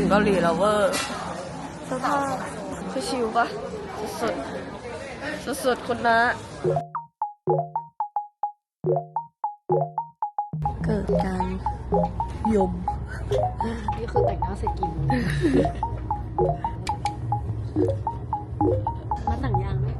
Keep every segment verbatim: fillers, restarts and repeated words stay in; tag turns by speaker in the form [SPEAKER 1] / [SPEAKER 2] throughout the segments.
[SPEAKER 1] เกาหลีแล้วเวอร์สภาพคือชิวปะสุดสุดสุดๆคุณนะเกิดการยม
[SPEAKER 2] นี่คือแต่งหน้าเสร็จกี่โมงมาแต่งยังไหม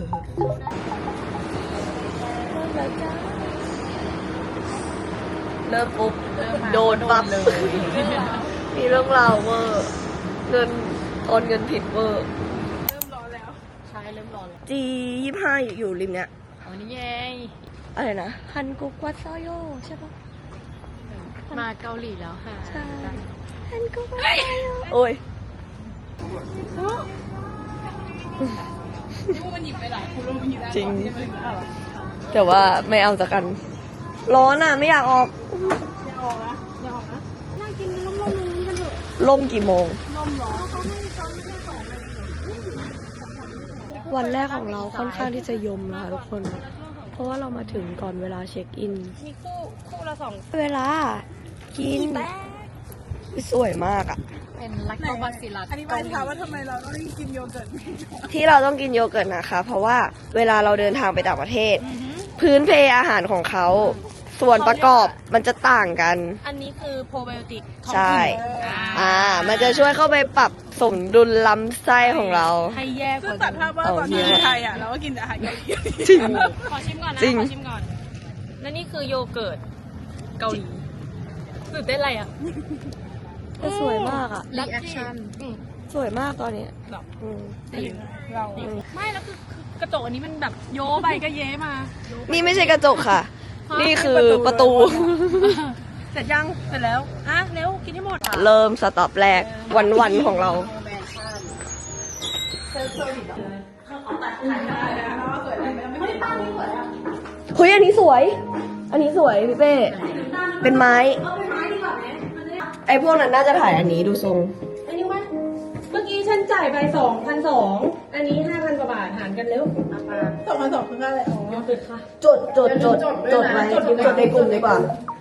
[SPEAKER 1] เริ่มปุ๊บโดนปั๊บเลยมีเรื่องราวเวอร์เงินโอนเงินผิดเวอร์
[SPEAKER 2] เริ่มร้อนแล้วใช่เริ่มร้อนแล้ว
[SPEAKER 1] จียี่ห้าอยู่ริมเนี้ย
[SPEAKER 2] อ๋อนี่ไง
[SPEAKER 1] อะไรนะฮันกุกวัตซโยใช่ปะ
[SPEAKER 2] มาเกาหลีแล้วค่ะ
[SPEAKER 1] ใช่ฮันกุกวัตซโยโอ้ยจริงแต่ว่าไม่เอาจากกันร้อนอ่ะไม่อยากออก
[SPEAKER 2] อย่าออกนะอย่าออกนะนั่งกินลมลมลมกันเถอะ
[SPEAKER 1] ลมกี่โมง
[SPEAKER 2] ลมหรอเขาให้ซ้อมแค่สองนา
[SPEAKER 1] ทีวันแรกของเราค่อนข้างที่จะยมนะคะทุกคนเพราะว่าเรามาถึงก่อนเวลาเช็คอิน
[SPEAKER 2] มีคู่คู่ละสอง
[SPEAKER 1] เวลากินสวยมากอ่ะ
[SPEAKER 2] เป็นลักโตบาซิลัส
[SPEAKER 3] อันนี้หมายถึงว่าทำไมเราต้องกินโยเกิร์ต
[SPEAKER 1] ที่เราต้องกินโยเกิร์ตนะคะเพราะว่าเวลาเราเดินทางไปต่างประเทศพื้นเพอาหารของเขาส่วนประกอบมันจะต่างกัน
[SPEAKER 2] อันนี้คือโปรไบโอติก
[SPEAKER 1] ใช่อ่ามันจะช่วยเข้าไปปรับสมดุลลำไส้ของเรา
[SPEAKER 2] ให้แย่กว่า
[SPEAKER 3] ตัดภาพว่าตอนที่ไทยอ่ะเราก็กินอาหารเกาหลี
[SPEAKER 1] จริง
[SPEAKER 2] ขอชิมก่อนนะขอชิมก่อนและนี่คือโยเกิร์ตเกาหลีตื่นเต้นอะไรอ่ะ
[SPEAKER 1] แต่สวยมากอ่ะ
[SPEAKER 2] รีแอคชั่น
[SPEAKER 1] สวยมากตอนนี้
[SPEAKER 2] แบบ
[SPEAKER 3] เรา
[SPEAKER 2] ไม่แล้วคือกระจกอันนี้มันแบบโยไปก็เย้มา
[SPEAKER 1] นี่ไม่ใช่กระจกค่ะนี่คือประตู
[SPEAKER 2] เสร็จยังเสร็จแล้วอ่ะเร็วกินให้หมด
[SPEAKER 1] เริ่มสต็อปแรกวันๆของเราเฮ้ยอันนี้สวยอันนี้สวยพี่เป้เป็นไม้ไอพวกนั้นน่าจะถ่ายอันนี้ดูทรง
[SPEAKER 2] อันนี้ว่าเมื่อกี้ฉันจ่ายไปสองพันสองอันนี้ห้าพันกว่าบาทหารกันเร็ว
[SPEAKER 3] สองพันสองคืออะไรอ๋อ
[SPEAKER 2] เกิดค่ะ
[SPEAKER 1] จดจดจดจดไว้จดในกลุ่มดีกว่า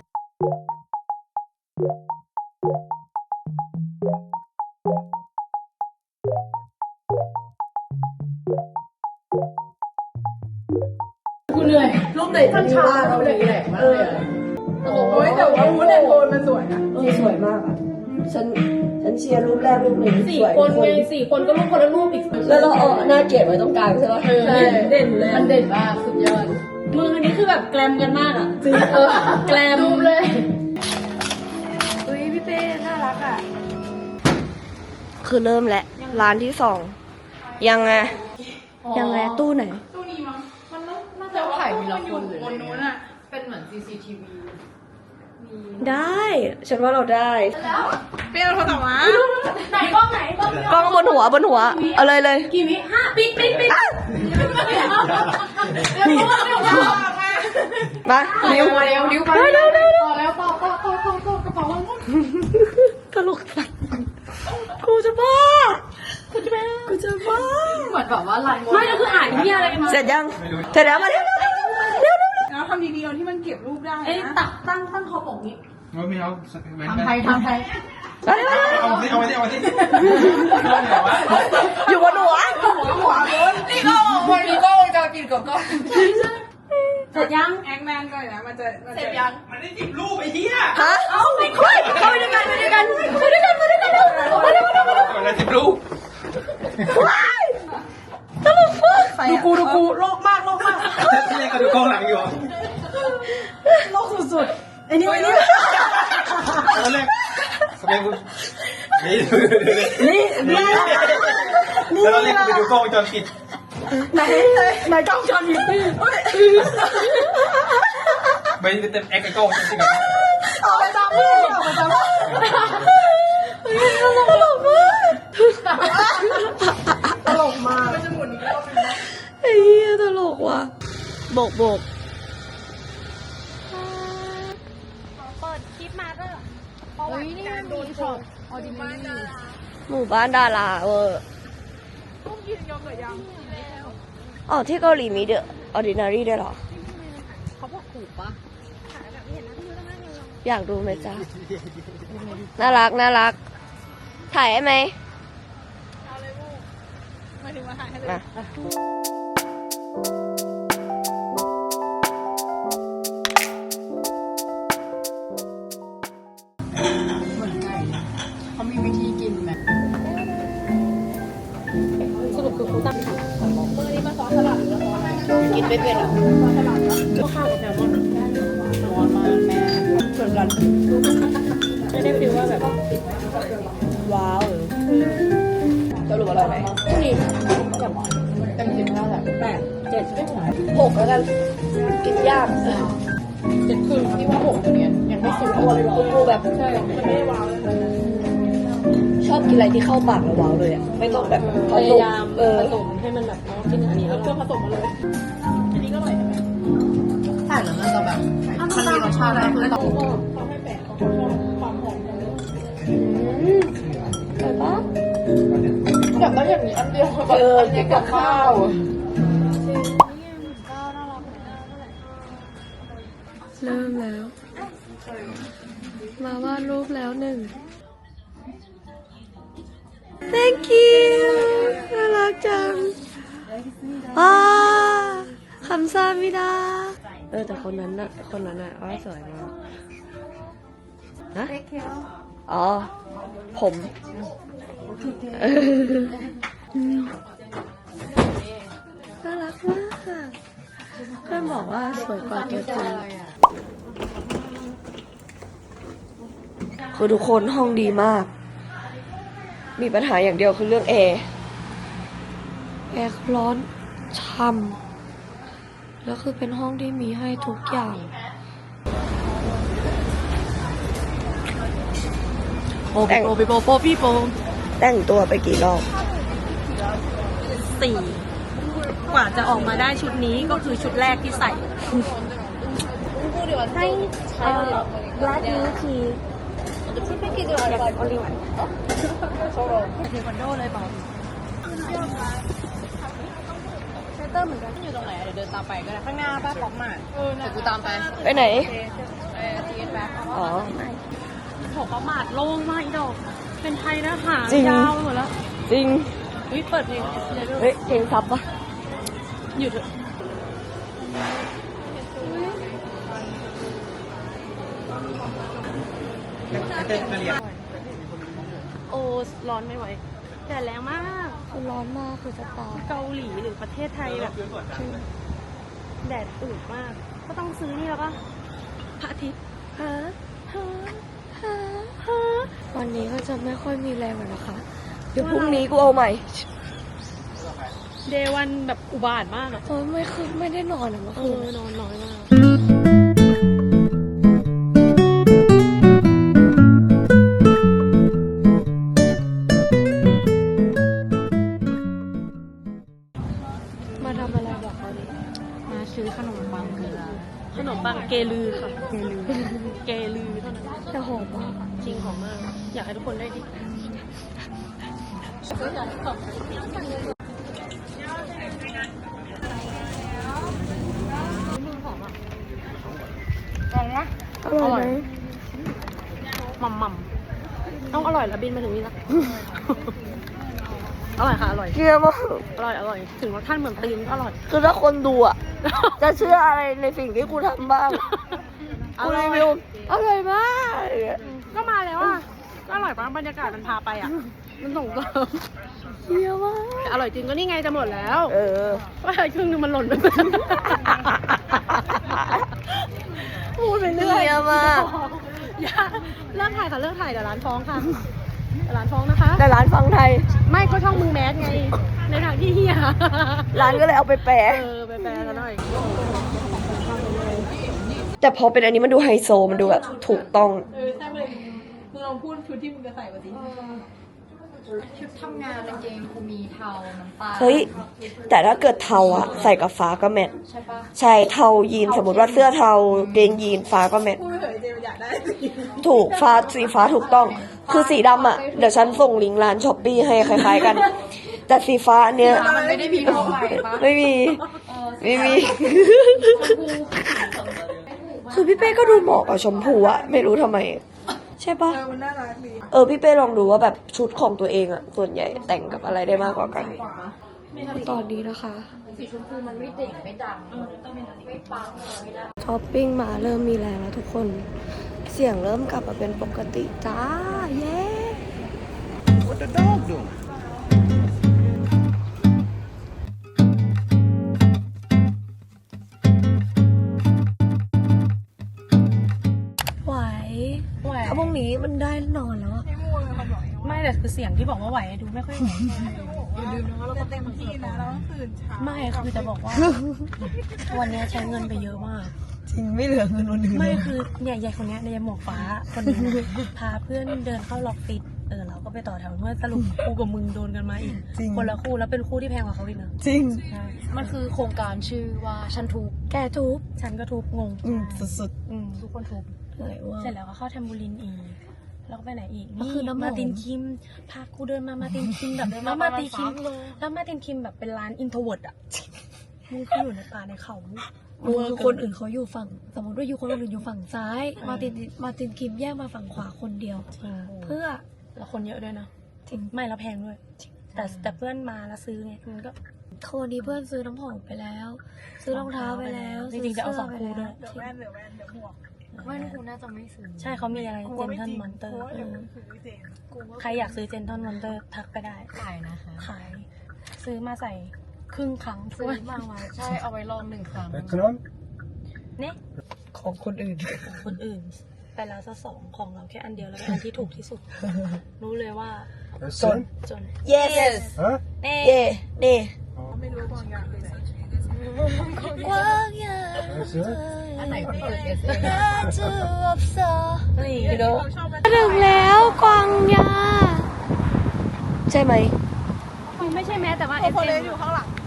[SPEAKER 2] กูเหนื่อย
[SPEAKER 1] รูปไหนจะมีว่าเราเลยแหละมากเลย
[SPEAKER 3] โอ้ยแต่ว่ามูนแอนโทนมันสวยนะ
[SPEAKER 1] เออสวยมากอ่ะฉันฉันเชียร์รูปแรกรูปหนึ่ง
[SPEAKER 2] สี่คนไงสี่คนก็รูปคนละรูปอีก
[SPEAKER 1] แล้วเราเอาหน้าเกลียดไว้ตรงกลางใช่ไหม
[SPEAKER 2] ใช่เด่นเลยมันเด่นมากสุดยอดมืออันนี้คือแบบแกลมกันมากอ่ะจริงเออแกลมรูปเลย
[SPEAKER 1] อุ้ยพี่เป้น่ารักอ่ะคือเริ่มแล้วร้านที่สองยังไงยังไงตู้ไหน
[SPEAKER 3] ตู้นี้มั้งมันน่า
[SPEAKER 2] จะถ่ายมีละคนเลย
[SPEAKER 3] บนนู้นอ่ะ
[SPEAKER 2] เป็นเหมือน ซี ซี ที วี
[SPEAKER 1] ได้ฉันว่าเราได้
[SPEAKER 3] เปรี้ยวโทรศัพท์มา
[SPEAKER 2] ไหนกล้องไหน
[SPEAKER 1] กล้องบนหัวบนหัวเอาเลยเลย
[SPEAKER 2] กี่วิห้าปิดปิดปิด
[SPEAKER 1] มา
[SPEAKER 2] นิ้วมาเร็วนิ้วมาเร็วเร็วต่อแล้วต่อต่อต่อต่อต่อกระเป๋ามัน
[SPEAKER 1] ตลกสัสกูจะบ้ากูจะบ้ากูจะบ้า
[SPEAKER 2] เหมือนแบบว่าลายไม่แล้วคืออ่านที่อะไรกันมา
[SPEAKER 1] เสร็จยังเสร็จแล้วมาเร็วเร็วเร็ว
[SPEAKER 3] แล้วทำดีๆที่มันเก็บรูปได้
[SPEAKER 2] เอ้ยตักตั้งตั้งคอปกนี้
[SPEAKER 4] ไม่เอา
[SPEAKER 2] ทำไทยทำไทย
[SPEAKER 4] เอาสิเอาสิเอาสิเอาสิ
[SPEAKER 1] อยู่บนหัว
[SPEAKER 3] หัวบน
[SPEAKER 2] นี่ก็วันนี้ก็จะปิดกับก็เสร็จยัง
[SPEAKER 3] แองแมนก่อนนะมันจะ
[SPEAKER 2] เสร็จยัง
[SPEAKER 4] มันได้จิบรูปไอ้เหี้ย
[SPEAKER 1] ฮะ
[SPEAKER 2] เอาไปคุยเข้าไปด้วยกันไปด้วยกันไปด้วยกันไปด้วยกันมาเร็วมาเร็วมาเร็ว
[SPEAKER 4] มันได้จิบรูป
[SPEAKER 1] ตลกมาก
[SPEAKER 3] ดูกูดูกูโลกมากโลกมาก
[SPEAKER 4] ที่เล่นกับดูกล้องหลังอยู่
[SPEAKER 3] โลกสุดๆไอ้นี่ไอ้นี่
[SPEAKER 4] ตอนแรกสมัยกูนี่
[SPEAKER 1] นี่นี่
[SPEAKER 4] นี่แล้วเราเล่นไปดูกล้องจอปิด
[SPEAKER 3] ไหนไหนกล้องจอปิด
[SPEAKER 4] ไม่เต็มแอคไอ้กล้องจริงๆ
[SPEAKER 3] เอาไปตามพี่เอาไปตาม
[SPEAKER 1] ตลกมาก
[SPEAKER 3] ตลกมากมันจะหมุนอีกรอบนึงนะ
[SPEAKER 1] ไอ้เหี้ยตลกว่ะโบกโบก
[SPEAKER 2] เปิดคลิปมาก็เพราะว่าการโดนช็อตออดินารี
[SPEAKER 1] หมู่บ้านดาราเวอร์
[SPEAKER 3] ต้องกินยอมหรือยัง
[SPEAKER 1] อ๋อที่เกาหลีมีเดอะออดินารีด้วยเหรอ
[SPEAKER 2] เขาบอกถูกปะ
[SPEAKER 1] อยากดูไหมจ๊ะน่ารักน่ารักถ่ายให้ไหม
[SPEAKER 2] เอาเลยลูกมาถึงมาถ่ายให้เลย
[SPEAKER 1] มา
[SPEAKER 3] เหมือนไก่เขามีวิธีกินไหม
[SPEAKER 2] สรุปคือครูตั้งเมื่อนี้มาซ้อนสลัดหรือว่าซ้อนอะไร
[SPEAKER 1] กินไม่เป็นอ่ะ
[SPEAKER 2] ซ้อนสลัดเหรอก็ข้าวกับแซลมอนได้ร้อนมากแม่ส่วนรันจะได้ฟีลว่าแบบ
[SPEAKER 1] ว้าวสรุปอร่อยไหม
[SPEAKER 2] นี่
[SPEAKER 3] เต็มสิบเท่าไหร่
[SPEAKER 2] แปดเจ็ดไม่ไหว
[SPEAKER 1] หกแล้วกัน กินยาก
[SPEAKER 2] เจ็ดครึ่งที่ว่าหกเดี๋ยวนี้ยังไม่สุดตัวเลยหรอ
[SPEAKER 1] กูแบบ
[SPEAKER 2] ใช่มันไม่ได้ว้าวเลยนะ
[SPEAKER 1] ชอบกินอะไรที่เข้าปากแล้วว้าวเลยอ่ะ ไม่ต้องแบบผ
[SPEAKER 2] พ
[SPEAKER 1] ส
[SPEAKER 2] ยาม ยาม
[SPEAKER 1] เออ
[SPEAKER 2] ผสมให้มันแบบเนาะกินอันนี้เอาเครื่องผสมมาเลยอันนี้ก็อร่อยใช่ไหม
[SPEAKER 3] ใช่แล้วมันจะแบบมันมีรสชาติอะไรคือต้อง
[SPEAKER 2] เขาให้แปะเขาชอบความหอมของเนื้อ
[SPEAKER 1] อร่อยปะ
[SPEAKER 3] อยากได้อย่างนี้อันเดียวแบบ
[SPEAKER 1] เออ
[SPEAKER 3] อันเดียวกับข้าว
[SPEAKER 1] เริ่มแล้ว มาวาดรูปแล้วหนึ่ง thank you น่ารักจังว้าคำซามิดาเออแต่คนนั้นน่ะ คนนั้นน่ะว่าสวยมากฮะอ๋อ ผมเออน่ารักมากค่ะเพื่อนบอกว่าสวยกว่าตัวจริงคือทุกคนห้องดีมาก มีปัญหาอย่างเดียวคือเรื่องแอร์ แอร์ร้อนช่ำแล้วคือเป็นห้องที่มีให้ทุกอย่าง
[SPEAKER 3] โปโปโปโปโปพี่โป
[SPEAKER 1] แต่งตัวไปกี่รอบ
[SPEAKER 3] สี่กว่าจะออกมาได้ชุดนี้ก็คือชุดแรกที่ใส่
[SPEAKER 2] ให้เอ่อ black milk tea
[SPEAKER 3] เทควันโดเลยเปล่า
[SPEAKER 2] เชสเตอร์เหมือนกัน
[SPEAKER 3] อยู่ตรงไหนเดี๋ยวเดินตามไปก็ได้ข้างหน้าป้าป๊อกมาเดี๋ยวกูตามไป
[SPEAKER 1] ไปไหน
[SPEAKER 3] เออทีเอสแบ็ค
[SPEAKER 1] อ๋อ
[SPEAKER 2] ของประมาทโล่งมากอีดอกเป็นไทยนะหา
[SPEAKER 1] จริง
[SPEAKER 2] ยาวไปหมดแล้ว
[SPEAKER 1] จริง
[SPEAKER 2] เฮ้ยเปิดเพลงเลยด้วย
[SPEAKER 1] เฮ้ยเพลงซับปะ
[SPEAKER 2] หยุดเถอะโอ้ร้อนไม่ไหวแดดแรงมาก
[SPEAKER 1] คือร้อนมากคือจะตาย
[SPEAKER 2] เกาหลีหรือประเทศไทยแบบแดดอืดมาก ก็ต้องซื้อนี่แล้วปะพระอาทิตย์
[SPEAKER 1] ฮะ
[SPEAKER 2] ฮะ
[SPEAKER 1] ฮะฮะวันนี้ก็จะไม่ค่อยมีแรงแล้วนะคะ เดี๋ยวพรุ่งนี้กูเอาใหม่
[SPEAKER 2] เดวันแบบอุบาทมากอะ
[SPEAKER 1] เออไม่คือไม่ได้นอนอะเมื่อ
[SPEAKER 2] เอ
[SPEAKER 1] คื
[SPEAKER 2] อน นอนน้อยมาก
[SPEAKER 1] มาทำอะไรบอกเขาดิ
[SPEAKER 3] มาซื้อขนมปังเกลือ
[SPEAKER 2] ขนมปังเกลือค่ะ เกลือ เกลือเท่านั้น
[SPEAKER 1] แต่หอมมาก
[SPEAKER 2] จริงหอมมาก อยากให้ทุกคนได้ดิหอมอ่ะ
[SPEAKER 1] อร่อยไหม
[SPEAKER 2] หม่ำหม่ำต้องอร่อยแล้วบินมาถึงนี่ละ อร่อยค่ะอร่อย
[SPEAKER 1] เกลือมาก
[SPEAKER 2] อร่อยอร่อย ถึงรสชาติเหมือนตีนก็อร่อย
[SPEAKER 1] คือถ้าคนดูอ่ะ จะเชื่ออะไรในสิ่งที่กูทำบ้าง
[SPEAKER 2] อ
[SPEAKER 1] กู
[SPEAKER 2] ร่อย
[SPEAKER 1] รีวิวอร่อยมาก
[SPEAKER 2] ก็มาแล้วอ่ะก็อร่อยปะบรรยากาศมันพาไปอ่ะ มันส่งเสริม
[SPEAKER 1] เยี่ยมมาก
[SPEAKER 2] แต่อร่อยจริงก็นี่ไงจะหมดแล้ว
[SPEAKER 1] เออ
[SPEAKER 2] ว่าครึ่งนึงมันหล่นไป พูดไปเรื่อย
[SPEAKER 1] เยี่ยมมาก
[SPEAKER 2] อย่าเลิกถ่ายค่ะเลิกถ่ายเดี๋ยวร้านฟ้องค่ะเดี๋ยวร้านฟ้องนะคะ
[SPEAKER 1] แต่ร้านฟังไทย
[SPEAKER 2] ไม่ก็ช่องมึงแมสไง ในทางที่เฮีย
[SPEAKER 1] ร้านก็เลยเอาไปแปะ
[SPEAKER 2] เออไปแปลกันหน่อย
[SPEAKER 1] แต่พอเป็นอันนี้มันดูไฮโซ มันดูแบบถูกต้อง
[SPEAKER 3] เออใช่เลยมึงลองพูดชุดที่มึงจะใส่มาสิชุดทำงานกางเกงกูมีเทาน้ำตาล
[SPEAKER 1] เฮ้ย แต่ถ้าเกิดเทาอะใส่กับฟ้าก็แมท
[SPEAKER 3] ใช่ปะ
[SPEAKER 1] ใช่เทายีนสมมติว่าเสื้อเทาเกงยีนฟ้าก็แมท
[SPEAKER 3] พูดไปเถอะเจมอยากได้สิ
[SPEAKER 1] ถูกฟ้าสีฟ้าถูกต้อง คือสีดำอะเดี๋ยวฉันส่งลิงก์ร้านช้อปปี้ให้คล้ายๆกัน แต่สีฟ้าอันเนี้ย
[SPEAKER 3] มันไม่ได้มีทั่วไปปะ
[SPEAKER 1] ไม่มี ไม่มี คือพี่เป้ก็ดูเหมาะกับชมพูอะไม่รู้ทำไม ใช่ช่ปะ
[SPEAKER 3] เออมันน่ารักดี
[SPEAKER 1] เออพี่เป้ลองดูว่าแบบชุดของตัวเองอะส่วนใหญ่แต่งกับอะไรได้มากกว่ากัน ตอนนี้นะคะ
[SPEAKER 2] สีชมพูมันไม่เด่งไม่ดังไม่ปังไม่ได้
[SPEAKER 1] ช้อปปิ้งมาเริ่มมีแรงแล้วทุกคน เสียงเริ่มกลับมาเป็นปกติจ้า เย้
[SPEAKER 4] What the dog doing?
[SPEAKER 1] ไหว
[SPEAKER 2] ไหว
[SPEAKER 1] ถ้าพรุ่งนี้มันได้นอนแล้วอะ
[SPEAKER 2] ไม่แต่คือเสียงที่บอกว่าไหวดูไม่ค่อยไหว
[SPEAKER 3] ลืมนะว่าเราก็เต็มที่นะเราต้องตื่นเช้า
[SPEAKER 2] ไม่คือจะบอกว่า วันนี้ใช้เงินไปเยอะมาก
[SPEAKER 1] จริงไม่เหลือเงินวันอื่น
[SPEAKER 2] ไม่คือเนี่ยยายคนเนี้ยในยายหมวกฟ้าคนนี้นะพาเพื่อนเดินเข้าล็อกฟิตเออเราก็ไปต่อแถวเมื่อสรุปคู่กับมึงโดนกันมาอีกคนละคู่แล้วเป็นคู่ที่แพงกว่าเขาอีกนะ
[SPEAKER 1] จริง
[SPEAKER 2] ใช่มันคือโครงการชื่อว่าฉันทุบ
[SPEAKER 1] แกทุบ
[SPEAKER 2] ฉันก็ทุบงง
[SPEAKER 1] อืมสุด
[SPEAKER 2] อืมทุกคนทุบ
[SPEAKER 1] ๆเหนื่อยว่า
[SPEAKER 2] เสร็จแล้วก็เข้าแทมบูลินอีกแล้วก็ไปไหนอีก
[SPEAKER 1] ก็คือน้ำหอม
[SPEAKER 2] มาตินคิมพากูเดินมามาตินคิมแบบแล้วมาตินคิมแล้วมาตินคิมแบบเป็นร้านอินโทรเวิร์ดอ่ะมึงคืออยู่ในป่าในเขา
[SPEAKER 1] มึงคือคนอื่นเขาอยู่ฝั่ง สมมติว่าอยู่คนอื่นอยู่ฝั่งซ้าย มาตินมาตินคิมแยกมาฝั่งขวาคนเดียว เพื่อ
[SPEAKER 2] แล้วคนเยอะด้วยนะ
[SPEAKER 1] จริง
[SPEAKER 2] ไม่แล้วแพงด้วย แต่แต่เพื่อนมาแล้วซื้อไงมันก็
[SPEAKER 1] โทนี้เพื่อนซื้อน้ำหอมไปแล้ว ซื้อรองเท้าไปแล้ว
[SPEAKER 2] จริงๆจะเอาสอง
[SPEAKER 1] ซื้
[SPEAKER 2] คู่ด้วย
[SPEAKER 3] เดี๋ยวแว่นเดี๋ยวแว่นเดี๋ยวหมวก
[SPEAKER 2] ไม่กูน่าจะไม่ซื้อใช่เขามีอะไรเจนทันมอนเตอร์
[SPEAKER 3] เดี๋ยวมันคือเจนกูว่า
[SPEAKER 2] ใครอยากซื้อเจนทันมอนเตอร์ทักไปได้
[SPEAKER 5] ขายนะคะ
[SPEAKER 2] ขาย ซื้อมาใส่ครึ่งครั้ง
[SPEAKER 5] ซื้อมาไว้ใช่ เอาไว้ลองหนึ่งครั้ง
[SPEAKER 4] Econom?
[SPEAKER 2] เนี่ย
[SPEAKER 1] ของคนอื่น
[SPEAKER 2] ของคนอื่น ไปแล้วซะสองของเราแค่อันเดียวแล้วเป็นอันที่ถูกที่สุด รู้เลยว่า
[SPEAKER 4] That's it?
[SPEAKER 2] จน
[SPEAKER 1] yes
[SPEAKER 4] Huh?
[SPEAKER 2] เน่
[SPEAKER 1] เย่เน่
[SPEAKER 3] ไม่รู้ว่าบางอย่างคือไหน
[SPEAKER 1] กว้างใหญ่
[SPEAKER 4] That's it?
[SPEAKER 5] อันไหนก็เปิดเอสเอ
[SPEAKER 1] น่าจะอบเซอร์
[SPEAKER 2] นี่
[SPEAKER 1] you know ถึงแล้วกวางยา ใช่ไหม
[SPEAKER 2] ไม่ใช่แม้แต่ว่าเอส
[SPEAKER 3] คน
[SPEAKER 2] เอ็
[SPEAKER 3] เล่
[SPEAKER 2] ม
[SPEAKER 3] นอยู่ข้างหลัง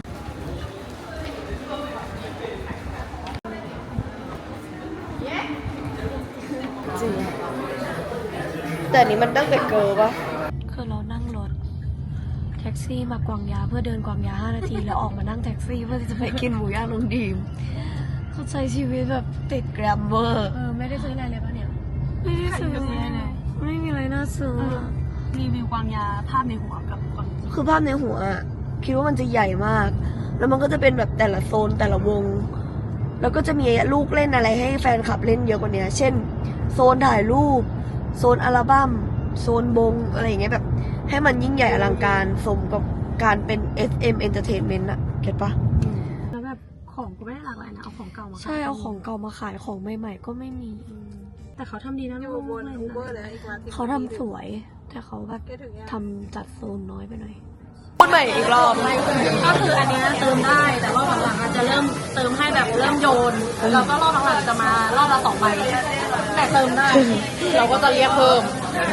[SPEAKER 1] จริง แต่อันนี้มันตั้งแต่เกิร์ปะคือเรานั่งรถ แท็กซี่มากวางยาเพื่อเดินกวางยาห้านาที แล้วออกมานั่งแท็กซี่เพื่อที่จะไปกินหมูย่างน้องดีมเขาใช้ชีวิตแบบติดแกรมเวอร์
[SPEAKER 2] เออไม่ได้ซื้ออะไรเลยป่ะเนี่ย
[SPEAKER 1] ไม่ได้ซื้อไม่มีอะไรน่าซื้ออะ
[SPEAKER 2] รีวิวความยาภาพในหัวกับความจริง
[SPEAKER 1] คือภาพในหัวอะคิดว่ามันจะใหญ่มาก แล้วมันก็จะเป็นแบบแต่ละโซนแต่ละวง แล้วก็จะมีลูกเล่นอะไรให้แฟนคลับเล่นเยอะกว่านี้ เช่น โซนถ่ายรูป โซนอัลบั้ม โซนบงอะไรอย่างเงี้ยแบบ ให้มันยิ่งใหญ่อลังการสมกับการเป็น เอส เอ็ม Entertainment อะเก็ตปะ
[SPEAKER 2] แล้วแบบของก็ไม่ได้หลากหลายนะเอาของเก่ามาขย
[SPEAKER 1] ใช่เอาของเก่ามาขายของใหม่ๆก็ไม่มี
[SPEAKER 2] แต่เขาทำดีนะ
[SPEAKER 3] อยู่บนอูเบอร์เลยอีกวัน
[SPEAKER 1] เขาทำสวย แต่เขาแบบ
[SPEAKER 3] แกถึงยัง
[SPEAKER 1] ทำจัดโซนน้อยไปหน่อยพูดใหม่อีกรอบ
[SPEAKER 2] ก็คืออันเนี้ยเติมได้ แต่รอบหลังๆอาจจะเริ่มเติมให้แบบเริ่มโยน แล้วก็รอบหลังๆจะมารอบละสองใบแต่เติมได้ เราก็จะเรียกเพิ่ม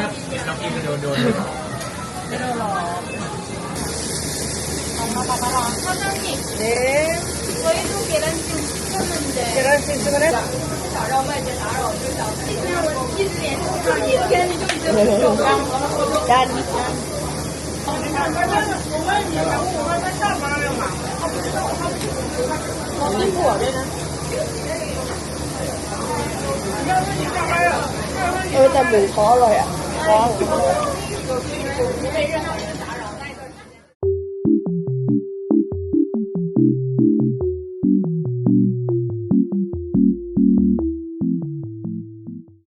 [SPEAKER 1] ดันเออแต่หมูเขาอร่อยอ่ะ